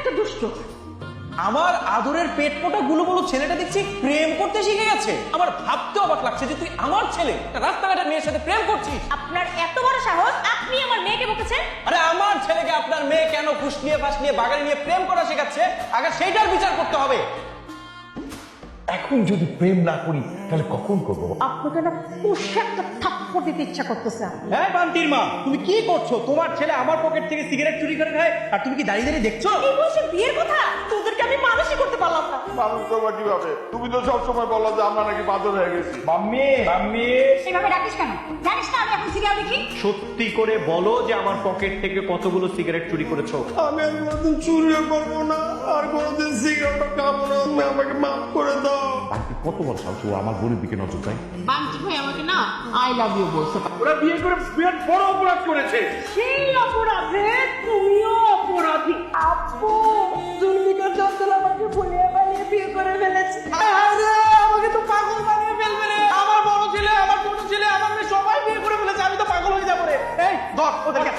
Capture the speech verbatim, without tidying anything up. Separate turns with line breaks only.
একটা দুষ্ট।
আমার আদরের পেট পোটা গুলো বলো ছেলেটা দেখছি প্রেম করতে শিখে গেছে। আমার ভাবতে অবাক লাগছে যে তুই আমার ছেলে রাস্তাঘাটের মেয়ের সাথে প্রেম করছিস।
আপনার এত বড় সাহস, আপনি আমার মেয়েকে বকেছেন?
আরে আমার ছেলেকে আপনার মেয়ে কেন ঘুষ নিয়ে ফাঁস নিয়ে বাগানে নিয়ে প্রেম করা শেখাচ্ছে, আগে সেইটার বিচার করতে হবে।
এখন যদি প্রেম না করি তাহলে কখন করবো?
আপনাকে না পুষে একটা থাপ্পড় দিতে ইচ্ছা করতেছে।
হ্যাঁ বান্টির মা, তুমি কি করছো? তোমার ছেলে আমার পকেট থেকে সিগারেট চুরি করে খায় আর তুমি কি দাঁড়িয়ে দাঁড়িয়ে দেখছো?
এই বয়সে বিয়ের কথা তোদেরকে আমি মানুষই করতে পারলাম না।
মানুষ তোমার কিভাবে? তুমি তো সবসময় বলো যে আমরা নাকি বাদর হয়ে গেছি।
মাম্মি মাম্মি
এভাবে ডাকিস কেন? জানিস না আমি এখন সিরিয়াল দেখি?
সত্যি করে বলো যে আমার পকেট থেকে কতগুলো সিগারেট চুরি করেছো?
আমি আর কোনোদিন চুরিও করবো না, আর কোনোদিন সিগারেটও খাবো না। তুমি আমাকে মাফ করে দাও।
বাকি কত বড় সাহস ও আমার বোনের দিকে নজর দেয়?
বান্টি ভাই আমাকে না আই লাভ ইউ বলছে।
ওরা বিয়ে করে বিরাট বড় অপরাধ করেছে।
সেই অপরাধে তুমিও অপরাধী। আপু জুলমিকা চঞ্চল আমাকে ভুলিয়ে বানিয়ে বিয়ে করে ফেলেছে।
আরে আমাকে তো পাগল বানিয়ে ফেলবে রে। আমার বড় ছেলে, আমার ছোট ছেলে, আমার মেয়ে সবাই বিয়ে করে ফেলেছে। আমি তো পাগল হয়ে যাবো রে। এই ধর ওদেরকে।